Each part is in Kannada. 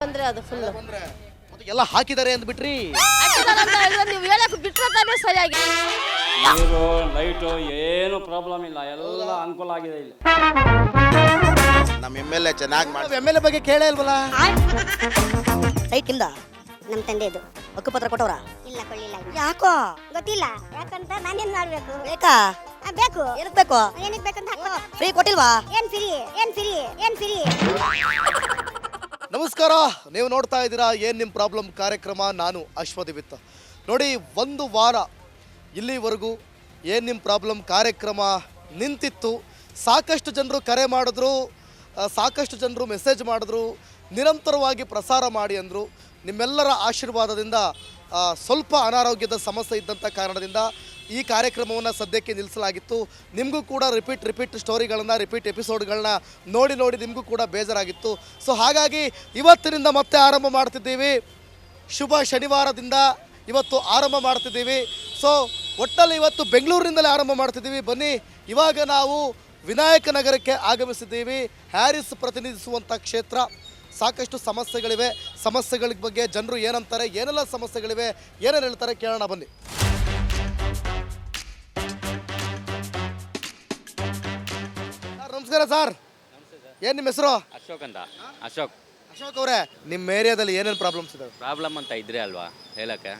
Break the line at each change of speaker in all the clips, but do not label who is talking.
ತೊಂದರೆ ಅದು ಫುಲ್.
ಎಲ್ಲ ಹಾಕಿದ್ದಾರೆ ಅಂದ್ಬಿಟ್ರಿ.
ನೀವು ಹೇಳಕ್ ಬಿಟ್ರೆ ತಾನೇ ಸರಿಯಾಗಿ.
ನೀರು ಲೈಟು ಏನು ಪ್ರಾಬ್ಲಮ್ ಇಲ್ಲ, ಎಲ್ಲ ಅನುಕೂಲ ಆಗಿದೆ ಇಲ್ಲಿ.
ನಮ್ಮ MLA ಚೆನ್ನಾಗಿ ಮಾಡಿ.
MLA ಬಗ್ಗೆ ಕೇಳೇ ಇಲ್ವಲ್ಲ.
ಸೈಟ್ ನಿಮ್ದ?
ನಮ್ಮ ತಂದೆದು.
ಹಕ್ಕುಪತ್ರ ಕೊಟ್ಟವ್ರ?
ಇಲ್ಲ ಕೊಳ್ಳಿಲ್ಲ.
ಯಾಕೋ
ಗೊತ್ತಿಲ್ಲ. ಯಾಕಂತ ನಾನೇನ್ ಮಾಡ್ಬೇಕು?
ಬೇಕಾ?
ಬೇಕು.
ಏನಕ್ ಬೇಕು?
ಏನಕ್ಕೆ ಬೇಕಂತ ಹಾಕೋ.
ಫ್ರೀ ಕೊಟ್ಟಿಲ್ವಾ?
ಏನ್ ಫ್ರೀ? ಏನ್ ಫ್ರೀ? ಏನ್ ಫ್ರೀ?
ನಮಸ್ಕಾರ, ನೀವು ನೋಡ್ತಾ ಇದ್ದೀರಾ ಏನ್ ನಿಮ್ಮ ಪ್ರಾಬ್ಲಮ್ ಕಾರ್ಯಕ್ರಮ. ನಾನು ಅಶ್ವದಿವಿತ್ತ. ನೋಡಿ, ಒಂದು ವಾರ ಇಲ್ಲಿವರೆಗೂ ಏನು ನಿಮ್ಮ ಪ್ರಾಬ್ಲಮ್ ಕಾರ್ಯಕ್ರಮ ನಿಂತಿತ್ತು. ಸಾಕಷ್ಟು ಜನರು ಕರೆ ಮಾಡಿದ್ರು, ಸಾಕಷ್ಟು ಜನರು ಮೆಸೇಜ್ ಮಾಡಿದ್ರು, ನಿರಂತರವಾಗಿ ಪ್ರಸಾರ ಮಾಡಿ ಅಂದರು. ನಿಮ್ಮೆಲ್ಲರ ಆಶೀರ್ವಾದದಿಂದ ಸ್ವಲ್ಪ ಅನಾರೋಗ್ಯದ ಸಮಸ್ಯೆ ಇದ್ದಂಥ ಕಾರಣದಿಂದ ಈ ಕಾರ್ಯಕ್ರಮವನ್ನು ಸದ್ಯಕ್ಕೆ ನಿಲ್ಲಿಸಲಾಗಿತ್ತು. ನಿಮಗೂ ಕೂಡ ರಿಪೀಟ್ ಸ್ಟೋರಿಗಳನ್ನು, ರಿಪೀಟ್ ಎಪಿಸೋಡ್ಗಳನ್ನ ನೋಡಿ ನಿಮಗೂ ಕೂಡ ಬೇಜಾರಾಗಿತ್ತು. ಸೊ ಹಾಗಾಗಿ ಇವತ್ತಿನಿಂದ ಮತ್ತೆ ಆರಂಭ ಮಾಡ್ತಿದ್ದೀವಿ. ಶುಭ ಶನಿವಾರದಿಂದ ಇವತ್ತು ಆರಂಭ ಮಾಡ್ತಿದ್ದೀವಿ. ಸೊ ಒಟ್ಟಲ್ಲಿ ಇವತ್ತು ಬೆಂಗಳೂರಿನಿಂದಲೇ ಆರಂಭ ಮಾಡ್ತಿದ್ದೀವಿ. ಬನ್ನಿ, ಇವಾಗ ನಾವು ವಿನಾಯಕ ನಗರಕ್ಕೆ ಆಗಮಿಸಿದ್ದೀವಿ. ಹ್ಯಾರಿಸ್ ಪ್ರತಿನಿಧಿಸುವಂಥ ಕ್ಷೇತ್ರ. ಸಾಕಷ್ಟು ಸಮಸ್ಯೆಗಳಿವೆ. ಸಮಸ್ಯೆಗಳ ಬಗ್ಗೆ ಜನರು ಏನಂತಾರೆ, ಏನೆಲ್ಲ ಸಮಸ್ಯೆಗಳಿವೆ, ಏನೇನು ಹೇಳ್ತಾರೆ ಕೇಳೋಣ ಬನ್ನಿ. ನಮಸ್ಕಾರ ಸರ್. ಏನು ನಿಮ್ಮ ಹೆಸರು?
ಅಶೋಕ್ ಅಂತ. ಅಶೋಕ್
ಅವರೇ, ನಿಮ್ಮ ಏರಿಯಾದಲ್ಲಿ ಏನೇನು ಪ್ರಾಬ್ಲಮ್ಸ್ ಇದಾವೆ?
ಪ್ರಾಬ್ಲಮ್ ಅಂತ ಇದ್ರೆ ಅಲ್ವಾ ಹೇಳಕ್ಕೆ?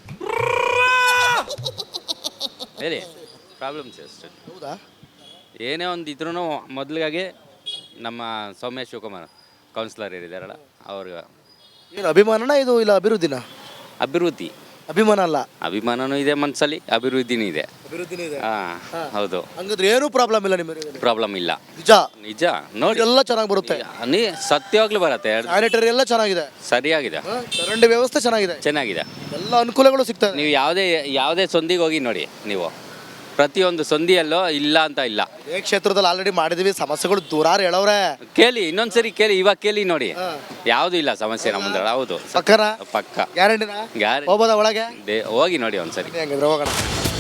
ಹೇಳಿ, ಪ್ರಾಬ್ಲಮ್ಸ್ ಅಷ್ಟೇ.
ಹೌದಾ?
ಏನೇ ಒಂದು ಇದ್ರೂ ಮೊದಲಿಗಾಗಿ ನಮ್ಮ ಸೌಮ್ಯ ಶಿವಕುಮಾರ್ ಕೌನ್ಸಿಲರ್ ಇದ್ದಾರಲ್ಲ ಅವ್ರಿಗೆ
ಏನು ಅಭಿಮಾನನ ಇದು, ಇಲ್ಲ ಅಭಿವೃದ್ಧಿನ?
ಅಭಿವೃದ್ಧಿ.
ಅಭಿಮಾನ ಅಲ್ಲ,
ಅಭಿಮಾನನೂ ಇದೆ ಮನಸ್ಸಲ್ಲಿ, ಅಭಿವೃದ್ಧಿನೂ ಇದೆ.
ಅಭಿವೃದ್ಧಿನೇ ಇದೆ.
ಹೌದು.
ಹಂಗಂದ್ರೆ ಏನೂ ಪ್ರಾಬ್ಲಮ್ ಇಲ್ಲ ನಿಮ್ಮ ಏರಿಯಾದಲ್ಲಿ?
ಪ್ರಾಬ್ಲಮ್ ಇಲ್ಲ.
ನಿಜ
ನೋಡಿ,
ಎಲ್ಲ ಚೆನ್ನಾಗಿ ಬರುತ್ತೆ.
ನೀ ಸತ್ಯವಾಗ್ಲೂ ಬರುತ್ತೆ.
ಸ್ಯಾನಿಟರಿ ಎಲ್ಲ ಚೆನ್ನಾಗಿದೆ,
ಸರಿಯಾಗಿದೆ.
ಚರಂಡಿ ವ್ಯವಸ್ಥೆ ಚೆನ್ನಾಗಿದೆ, ಎಲ್ಲ ಅನುಕೂಲಗಳು ಸಿಗ್ತವೆ.
ನೀವು ಯಾವುದೇ ಸಂದಿಗೆ ಹೋಗಿ ನೋಡಿ, ನೀವು ಪ್ರತಿಯೊಂದು ಸಂದಿಯಲ್ಲೂ ಇಲ್ಲ ಅಂತ ಇಲ್ಲ.
ಈ ಕ್ಷೇತ್ರದಲ್ಲಿ ಆಲ್ರೆಡಿ ಮಾಡಿದೀವಿ, ಸಮಸ್ಯೆಗಳು ದೂರಾರು ಹೇಳವ್ರೆ.
ಕೇಳಿ, ಇನ್ನೊಂದ್ಸರಿ ಕೇಳಿ, ಇವಾಗ ಕೇಳಿ ನೋಡಿ, ಯಾವ್ದು ಇಲ್ಲ ಸಮಸ್ಯೆ ನಮ್ಮ ಮುಂದೆ. ಹೌದು,
ಪಕ್ಕನ
ಪಕ್ಕ
ಗ್ಯಾರಂಟಿನ ಹೋಗ್ಬೋದಾ ಒಳಗೆ?
ಹೋಗಿ ನೋಡಿ ಒಂದ್ಸರಿ.
ಹೆಂಗಿದ್ರೆ ಹೋಗೋಣ.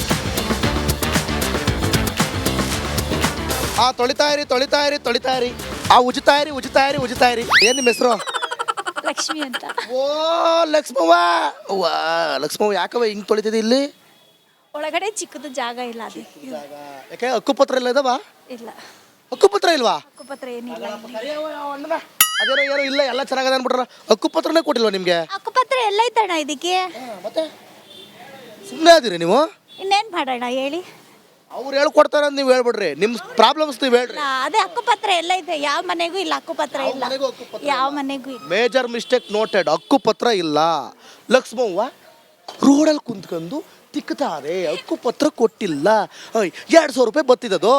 ತೊಳಿತಾ ಇರಿ. ಉಜಿತಾ ಇರಿ. ಏನ್ ನಿಮ್ಮ ಹೆಸರು?
ಲಕ್ಷ್ಮಿ ಅಂತ.
ಓ ಲಕ್ಷ್ಮವ್ವ. ಲಕ್ಷ್ಮವ್ವ, ಯಾಕವ ಹಿಂಗ್ ತೊಳಿತಿದ್ದಿ? ಇಲ್ಲಿ
ಒಳಗಡೆ ಚಿಕ್ಕದು ಜಾಗ ಇಲ್ಲ. ಅದು
ಯಾಕೆ ಹಕ್ಕುಪತ್ರ ಇಲ್ಲ ಇದಾವ?
ಇಲ್ಲ,
ಹಕ್ಕುಪತ್ರ ಇಲ್ವಾ?
ಹಕ್ಕುಪತ್ರ ಏನಿಲ್ಲ.
ಅದೇನೋ ಏನೋ ಇಲ್ಲ, ಎಲ್ಲ ಚೆನ್ನಾಗದ ಅನ್ಬಿಟ್ರ. ಹಕ್ಕುಪತ್ರನೇ ಕೊಟ್ಟಿಲ್ವಾ ನಿಮ್ಗೆ?
ಹಕ್ಕುಪತ್ರ ಎಲ್ಲ ಐತಣ್ಣ ಇದಕ್ಕೆ.
ಮತ್ತೆ ಸುಮ್ಮನೆ ಅದೀರಿ ನೀವು?
ಇನ್ನೇನ್ ಮಾಡೋಣ ಹೇಳಿ?
ಅವ್ರು ಹೇಳ್ಕೊಡ್ತಾರ ಅಂತ ನೀವು ಹೇಳ್ಬಿಡ್ರಿ. ನಿಮ್ ಪ್ರಾಬ್ಲಮ್ಸ್ ನೀವು ಹೇಳ್ರಿ.
ಅದೇ ಹಕ್ಕುಪತ್ರ ಎಲ್ಲ ಐತೆ, ಯಾವ ಮನೆಗೂ ಇಲ್ಲ ಹಕ್ಕುಪತ್ರ ಇಲ್ಲ, ಯಾವ ಮನೆಗೂ ಇಲ್ಲ.
Major mistake noted. ಹಕ್ಕುಪತ್ರ ಇಲ್ಲ. ಲಕ್ಷ್ಮವ್ವ ರೋಡಲ್ಲಿ ಕುಂತ್ಕೊಂಡು ತಿಕ್ತಾರೆ, ಹಕ್ಕುಪತ್ರ ಕೊಟ್ಟಿಲ್ಲ. 200 ರೂಪಾಯಿ ಬರ್ತಿದ್ದದು.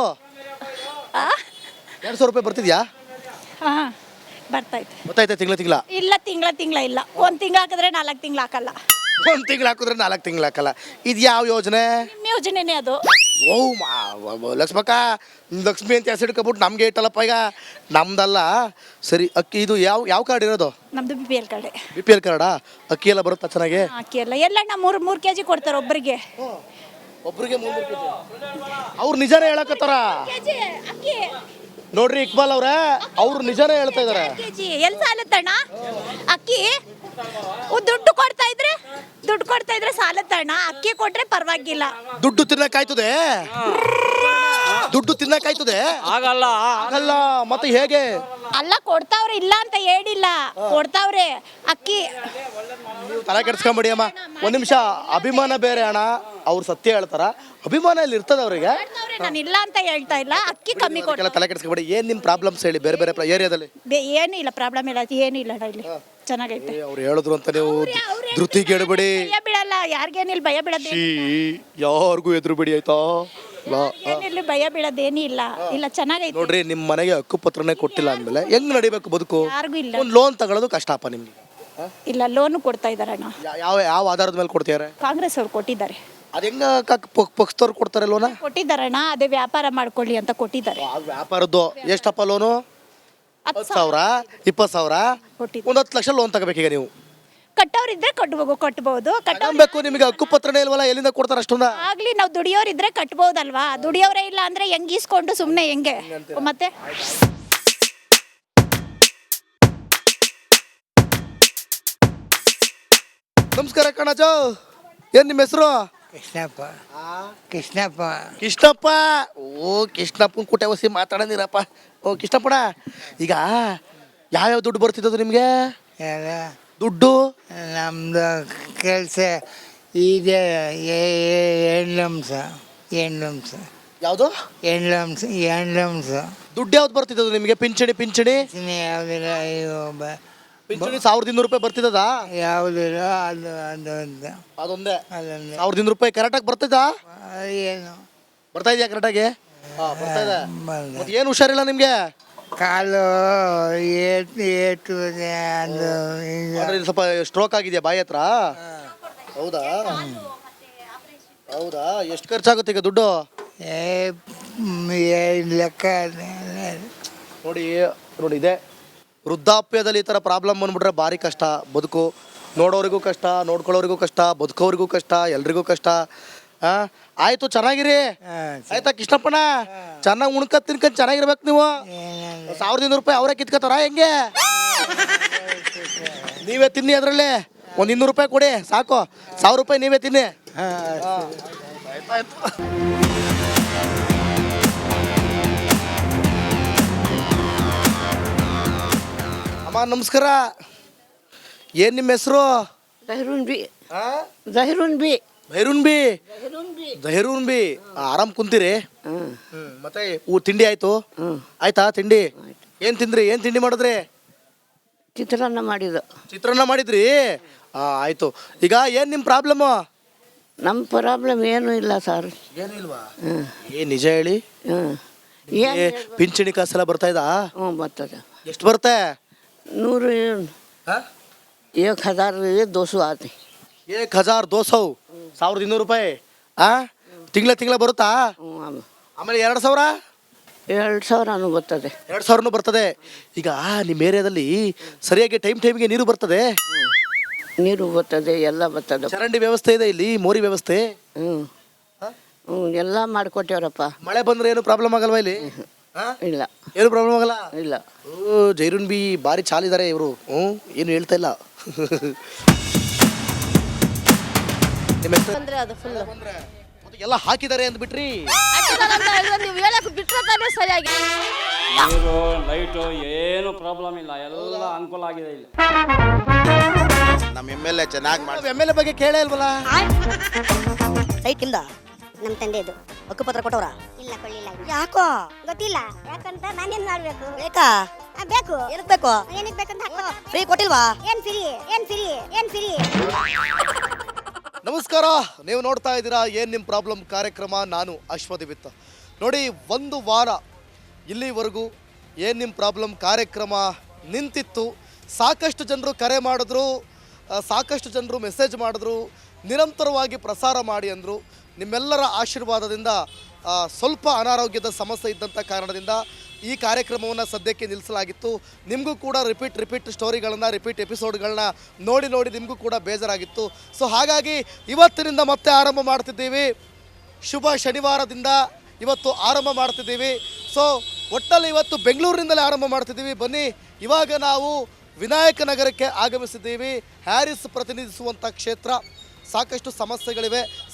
200 ರೂಪಾಯಿ ಬರ್ತಿದ್ಯಾ?
ಹಾ, ಬರ್ತೈತೆ.
ಗೊತ್ತಾಯ್ತಾ? ತಿಂಗಳ
ಇಲ್ಲ, ತಿಂಗಳ ಇಲ್ಲ. 1 ತಿಂಗಳು ಹಾಕಿದ್ರೆ 4 ತಿಂಗಳು ಹಾಕಲ್ಲ.
1 ತಿಂಗಳು ಹಾಕಿದ್ರೆ 4 ತಿಂಗಳು ಹಾಕಲ್ಲ. ಇದು ಯಾವ ಯೋಜನೆ?
ನಿಮ್ಮ ಯೋಜನೆನೇ ಅದು.
ಓ ಲಕ್ಷ್ಮಕ್ಕ, ಲಕ್ಷ್ಮಿ ಅಂತ ಹೆಸರು ಇಟ್ಕೊಬಿಟ್ಟು ನಮ್ಗೆ ಇಟ್ಟಲ್ಲಪ್ಪ. ಈಗ ನಮ್ದಲ್ಲ. ಸರಿ, ಅಕ್ಕಿ ಇದು ಯಾವ ಕಾರ್ಡ್ ಇರೋದು?
ನಮ್ದು BPL ಕಾರ್ಡೆ.
BPL ಕಾರ್ಡಾ? ಅಕ್ಕಿ ಎಲ್ಲ ಬರುತ್ತಾ ಚೆನ್ನಾಗಿ?
ಅಕ್ಕಿ ಎಲ್ಲ 3 kg ಕೊಡ್ತಾರೆ ಒಬ್ಬರಿಗೆ.
ಒಬ್ರಿಗೆ 3 kg. ಅವ್ರು ನಿಜಾನೇ ಹೇಳಕತ್ತಾರ
ಅಕ್ಕಿ
ನೋಡ್ರಿ ಇಕ್ಬಾಲ್ ಅವ್ರೆ, ಅವ್ರು ನಿಜಾನೇ ಹೇಳ್ತಾ ಇದಾರೆ.
ಎಲ್ಲಿ ಸಾಲತ್ತಣ್ಣ ಅಕ್ಕಿ? ದುಡ್ಡು ಕೊಡ್ತಾ ಇದ್ರೆ ಸಾಲತ್ತಣ್ಣ. ಅಕ್ಕಿ ಕೊಟ್ರೆ ಪರವಾಗಿಲ್ಲ.
ದುಡ್ಡು ತಿನ್ನಕಾಯ್ತದೆ? ಆಗಲ್ಲ. ಮತ್ತೆ ಹೇಗೆ?
ಅಲ್ಲ, ಕೊಡ್ತಾವ್ರೆ, ಇಲ್ಲ ಅಂತ ಹೇಳಿಲ್ಲ, ಕೊಡ್ತಾವ್ರೆ ಅಕ್ಕಿ.
ತಲೆ ಕೆಡ್ಸ್ಕೊಂಬಿಡಿ ಅಮ್ಮ. ಒಂದ್ ನಿಮಿಷ. ಅಭಿಮಾನ ಬೇರೆ ಅಣ್ಣ, ಅವ್ರು ಸತ್ಯ ಹೇಳ್ತಾರ. ಅಭಿಮಾನ ಇಲ್ಲಿ ಇರ್ತದ ಅವ್ರಿಗೆ.
ನಾನು ಇಲ್ಲ ಅಂತ ಹೇಳ್ತಾ ಇಲ್ಲ, ಅಕ್ಕಿ ಕಮ್ಮಿ ಕೊಡ್ತಾರೆ.
ತಲೆ ಕೆಡ್ಸ್ಕೊಂಬಿಡಿ. ಏನ್ ನಿಮ್ ಪ್ರಾಬ್ಲಮ್ಸ್ ಹೇಳಿ, ಬೇರೆ ಏರಿಯಾದಲ್ಲಿ?
ಏನು ಇಲ್ಲ, ಪ್ರಾಬ್ಲಮ್ ಇಲ್ಲ, ಏನು ಇಲ್ಲ ಇಲ್ಲಿ ಚೆನ್ನಾಗೈತೆ.
ಅವ್ರು ಹೇಳಿದ್ರು ಅಂತ ನೀವು ಧೃತಿಗೆಡಬೇಡಿ.
ಭಯ ಬೀಳಲ್ಲ, ಯಾರಿಗೇನಿಲ್ಲ, ಭಯ ಬೀಳೋದೇ
ಯಾರಿಗೂ ಎದುರು ಬಿಡಿ ಆಯ್ತಾ?
ಏನಿಲ್ಲ, ಭಯ ಬೀಳೋದೇನಿ ಇಲ್ಲ. ಇಲ್ಲ, ಚೆನ್ನಾಗೈತೆ.
ನೋಡ್ರಿ, ನಿಮ್ ಮನೆಗೆ ಹಕ್ಕುಪತ್ರನೇ ಕೊಟ್ಟಿಲ್ಲ ಅಂದ್ಮೇಲೆ ಹೆಂಗ್ ನಡಿಬೇಕು ಬದುಕು?
ಯಾರಿಗೂ ಇಲ್ಲ.
ಒಂದು ಲೋನ್ ತಗೊಳ್ಳೋದು ಕಷ್ಟಪ್ಪ ನಿಮ್ಗೆ.
ಇಲ್ಲ, ಲೋನು ಕೊಡ್ತಾ ಇದಾರಣ್ಣ.
ಯಾವ ಆಧಾರದ ಮೇಲೆ ಕೊಡ್ತಿದ್ದಾರೆ?
ಕಾಂಗ್ರೆಸ್ ಅವ್ರು ಕೊಟ್ಟಿದ್ದಾರೆ.
ಅದ ಹೆಂಗ ಪಕ್ಷದವ್ರು ಕೊಡ್ತಾರೆ ಲೋನ?
ಕೊಟ್ಟಿದ್ದಾರಣ್ಣ, ಅದೇ ವ್ಯಾಪಾರ ಮಾಡ್ಕೊಳ್ಳಿ ಅಂತ ಕೊಟ್ಟಿದ್ದಾರೆ.
ವ್ಯಾಪಾರದ್ದು ಎಷ್ಟಪ್ಪ ಲೋನು? 10,000, 20,000,
ಕೊಟ್ಟಿದ್ದಾರೆ.
1 ಲಕ್ಷ ಲೋನ್ ತಗೋಬೇಕೀಗ ನೀವು.
ಕಟ್ಟೋರಿದ್ರೆ ಕಟ್ಬಹುದು.
ಕಟ್ಟಬೇಕು. ನಿಮಗೆ ಹಕ್ಕುಪತ್ರನೇ ಇಲ್ವಲ್ಲ, ಎಲ್ಲಿಂದ ಕೊಡ್ತಾರೆ ಅಷ್ಟೊಂದ?
ಆಗ್ಲಿ, ನಾವು ದುಡಿಯೋರಿದ್ರೆ ಕಟ್ಬಹುದಲ್ವಾ? ದುಡಿಯೋರೇ ಇಲ್ಲ ಅಂದ್ರೆ ಹೆಂಗ್ ಈಸ್ಕೊಂಡು ಸುಮ್ನೆ ಹೆಂಗೆ ಮತ್ತೆ?
ನಮಸ್ಕಾರ ಕಣಜ. ಏನು ನಿಮ್ಮ ಹೆಸರು?
ಕೃಷ್ಣಪ್ಪ. ಕೃಷ್ಣಪ್ಪ.
ಕೃಷ್ಣಪ್ಪ. ಓ ಕೃಷ್ಣಪ್ಪನ ಕುಟೆ ಹೊಸಿ ಮಾತಾಡೋದಿರಪ್ಪ. ಓ ಕೃಷ್ಣಪ್ಪಣ, ಈಗ ಯಾವ್ಯಾವ ದುಡ್ಡು ಬರ್ತಿದ್ದದು ನಿಮಗೆ?
ಯಾರ
ದುಡ್ಡು
ನಮ್ಮದು ಕೆಲಸ ಇದೆ. ಹೆಣ್ಣಂಸ.
ಯಾವುದು?
ಹೆಣ್ಣಂಸ
ದುಡ್ಡು ಯಾವ್ದು ಬರ್ತಿದ್ದದು ನಿಮಗೆ? ಪಿಂಚಣಿ
ಯಾವುದಿಲ್ಲ.
ಪಿಂಚಣಿ 1200 ರೂಪಾಯಿ ಬರ್ತಿದ್ದದಾ?
ಯಾವುದಿಲ್ಲ. ಅದು
ಅದೊಂದೇ
ಅದೊಂದು
1200 ರೂಪಾಯಿ ಕರೆಕ್ಟಾಗಿ ಬರ್ತಿದ್ದಾ?
ಏನು
ಬರ್ತಾ ಇದೆಯಾ ಕರೆಕ್ಟಾಗಿ? ಬರ್ತಾ ಇದೆ.
ಬಂದ
ಮತ್ತೆ ಏನು ಹುಷಾರಿಲ್ಲ ನಿಮಗೆ?
ಕಾಲು ಏಟು ಅದು
ಅಂದ್ರೆ ಇಲ್ಲಿ ಸ್ವಲ್ಪ ಸ್ಟ್ರೋಕ್ ಆಗಿದೆಯಾ ಬಾಯಿ ಹತ್ರ? ಹೌದಾ ಹೌದಾ. ಎಷ್ಟು ಖರ್ಚಾಗುತ್ತೆ ಈಗ ದುಡ್ಡು?
ಲೆಕ್ಕ
ನೋಡಿ ಇದೆ ವೃದ್ಧಾಪ್ಯದಲ್ಲಿ ಈ ಥರ ಪ್ರಾಬ್ಲಮ್ ಬಂದ್ಬಿಟ್ರೆ ಭಾರಿ ಕಷ್ಟ. ಬದುಕು ನೋಡೋರಿಗೂ ಕಷ್ಟ, ನೋಡ್ಕೊಳ್ಳೋರಿಗೂ ಕಷ್ಟ, ಬದುಕೋರಿಗೂ ಕಷ್ಟ, ಎಲ್ರಿಗೂ ಕಷ್ಟ. ಆಯ್ತು, ಚೆನ್ನಾಗಿರಿ. ಆಯ್ತಾ ಕೃಷ್ಣಪ್ಪಣ್ಣ? ಚೆನ್ನಾಗಿ ಉಣ್ಕತ್ ತಿನ್ಕೊಂಡ್ ಚೆನ್ನಾಗಿರ್ಬೇಕು ನೀವು. 1200 ರೂಪಾಯಿ ಅವರೇ ಕಿತ್ಕೋತಾರ ಹೆಂಗೆ? ನೀವೇ ತಿನ್ನಿ, ಅದರಲ್ಲಿ ಒಂದು 200 ರೂಪಾಯಿ ಕೊಡಿ ಸಾಕು. 1000 ರೂಪಾಯಿ ನೀವೇ ತಿನ್ನಿ. ಆಯ್ತಾಯ್ತು. ಅಮ್ಮ ನಮಸ್ಕಾರ. ಏನು ನಿಮ್ಮ ಹೆಸರು? ಜಹೀರುನ್ ಬಿ. ಆರಾಮ್ ಕುಂತೀರಿ? ಮತ್ತೆ ತಿಂಡಿ ಆಯ್ತು? ಆಯ್ತಾ ತಿಂಡಿ? ಏನು ತಿಂದ್ರಿ? ಏನು ತಿಂಡಿ ಮಾಡಿದ್ರಿ?
ಚಿತ್ರಾನ್ನ
ಮಾಡಿದ್ರಿ? ಆಯ್ತು. ಈಗ ಏನು ನಿಮ್ಮ ಪ್ರಾಬ್ಲಮ್ಮು?
ನಮ್ಮ ಪ್ರಾಬ್ಲಮ್ ಏನೂ ಇಲ್ಲ ಸರ್.
ಏನು ಇಲ್ವಾ? ನಿಜ ಹೇಳಿ. ಪಿಂಚಣಿ ಕಾಸೆಲ್ಲ ಬರ್ತಾ ಇದ್ದಾ?
ಬರ್ತದೆ.
ಎಷ್ಟು ಬರುತ್ತೆ?
1,200 ಆತಿ.
1,200 1200 ರೂಪಾಯಿ ತಿಂಗಳ ಬರುತ್ತಾ? ಆಮೇಲೆ 2,000?
2,000 ಬರ್ತದೆ.
2,000 ಬರ್ತದೆ. ಈಗ ನಿಮ್ಮ ಏರಿಯಾದಲ್ಲಿ ಸರಿಯಾಗಿ ಟೈಮ್ಗೆ ನೀರು ಬರ್ತದೆ?
ನೀರು ಬರ್ತದೆ, ಎಲ್ಲ ಬರ್ತದೆ.
ಚರಂಡಿ ವ್ಯವಸ್ಥೆ ಇದೆ ಇಲ್ಲಿ? ಮೋರಿ ವ್ಯವಸ್ಥೆ?
ಎಲ್ಲ ಮಾಡಿಕೊಟ್ಟೇವ್ರಪ್ಪ.
ಮಳೆ ಬಂದ್ರೆ ಏನು ಪ್ರಾಬ್ಲಮ್ ಆಗಲ್ವಾ ಇಲ್ಲಿ?
ಇಲ್ಲ,
ಏನು ಪ್ರಾಬ್ಲಮ್ ಆಗಲ್ಲ.
ಇಲ್ಲ.
ಜೈರುನ್ ಬಿ ಭಾರಿ ಚಾಲಿದ್ದಾರೆ ಇವರು. ಏನು ಹೇಳ್ತಾ ಇಲ್ಲ. ನಿಮ್ಮ ಹೆಸರು?
ಅಂದ್ರೆ ಅದು ಫುಲ್
ಎಲ್ಲ ಹಾಕಿದ್ದಾರೆ ಅಂದ್ಬಿಟ್ರಿ.
ನೀವು ಹೇಳಕ್ ಬಿಟ್ರೆ ತಾನೇ ಸರಿಯಾಗಿ.
ನೀರು ಲೈಟು ಏನು ಪ್ರಾಬ್ಲಮ್ ಇಲ್ಲ, ಎಲ್ಲ ಅನುಕೂಲ ಆಗಿದೆ ಇಲ್ಲಿ.
ನಮ್ಮ MLA ಚೆನ್ನಾಗಿ ಮಾಡಿ.
MLA ಬಗ್ಗೆ ಕೇಳೇ ಇಲ್ವಲ್ಲ?
ಸೈಟ್ ನಿಮ್ದ?
ನಮ್ಮ ತಂದೆದು.
ಹಕ್ಕುಪತ್ರ ಕೊಟ್ಟವ್ರ?
ಇಲ್ಲ, ಕೊಳ್ಳಿಲ್ಲ.
ಯಾಕೋ
ಗೊತ್ತಿಲ್ಲ. ಯಾಕಂತ ನಾನೇನ್ ಮಾಡ್ಬೇಕು?
ಬೇಕಾ?
ಬೇಕು.
ಏನಕ್ಕೆ ಬೇಕು?
ಏನಕ್ಕೆ ಬೇಕಂತ ಹಾಕೋ.
ಫ್ರೀ ಕೊಟ್ಟಿಲ್ವಾ?
ಏನ್ ಫ್ರೀ?
ನಮಸ್ಕಾರ. ನೀವು ನೋಡ್ತಾ ಇದ್ದೀರಾ ಏನು ನಿಮ್ಮ ಪ್ರಾಬ್ಲಮ್ ಕಾರ್ಯಕ್ರಮ. ನಾನು ಅಶ್ವದಿವಿತ್ತ. ನೋಡಿ, ಒಂದು ವಾರ ಇಲ್ಲಿವರೆಗೂ ಏನು ನಿಮ್ಮ ಪ್ರಾಬ್ಲಮ್ ಕಾರ್ಯಕ್ರಮ ನಿಂತಿತ್ತು. ಸಾಕಷ್ಟು ಜನರು ಕರೆ ಮಾಡಿದ್ರು, ಸಾಕಷ್ಟು ಜನರು ಮೆಸೇಜ್ ಮಾಡಿದ್ರು, ನಿರಂತರವಾಗಿ ಪ್ರಸಾರ ಮಾಡಿ ಅಂದರು. ನಿಮ್ಮೆಲ್ಲರ ಆಶೀರ್ವಾದದಿಂದ ಸ್ವಲ್ಪ ಅನಾರೋಗ್ಯದ ಸಮಸ್ಯೆ ಇದ್ದಂಥ ಕಾರಣದಿಂದ ಈ ಕಾರ್ಯಕ್ರಮವನ್ನು ಸದ್ಯಕ್ಕೆ ನಿಲ್ಲಿಸಲಾಗಿತ್ತು. ನಿಮಗೂ ಕೂಡ ರಿಪೀಟ್ ಸ್ಟೋರಿಗಳನ್ನು, ರಿಪೀಟ್ ಎಪಿಸೋಡ್ಗಳನ್ನ ನೋಡಿ ನಿಮಗೂ ಕೂಡ ಬೇಜಾರಾಗಿತ್ತು. ಸೊ ಹಾಗಾಗಿ ಇವತ್ತಿನಿಂದ ಮತ್ತೆ ಆರಂಭ ಮಾಡ್ತಿದ್ದೀವಿ. ಶುಭ ಶನಿವಾರದಿಂದ ಇವತ್ತು ಆರಂಭ ಮಾಡ್ತಿದ್ದೀವಿ. ಸೊ ಒಟ್ಟಲ್ಲಿ ಇವತ್ತು ಬೆಂಗಳೂರಿನಿಂದಲೇ ಆರಂಭ ಮಾಡ್ತಿದ್ದೀವಿ. ಬನ್ನಿ, ಇವಾಗ ನಾವು ವಿನಾಯಕ ನಗರಕ್ಕೆ ಆಗಮಿಸಿದ್ದೀವಿ. ಹ್ಯಾರಿಸ್ ಪ್ರತಿನಿಧಿಸುವಂಥ ಕ್ಷೇತ್ರ. ಸಾಕಷ್ಟು ಸಮಸ್ಯೆಗಳಿವೆ,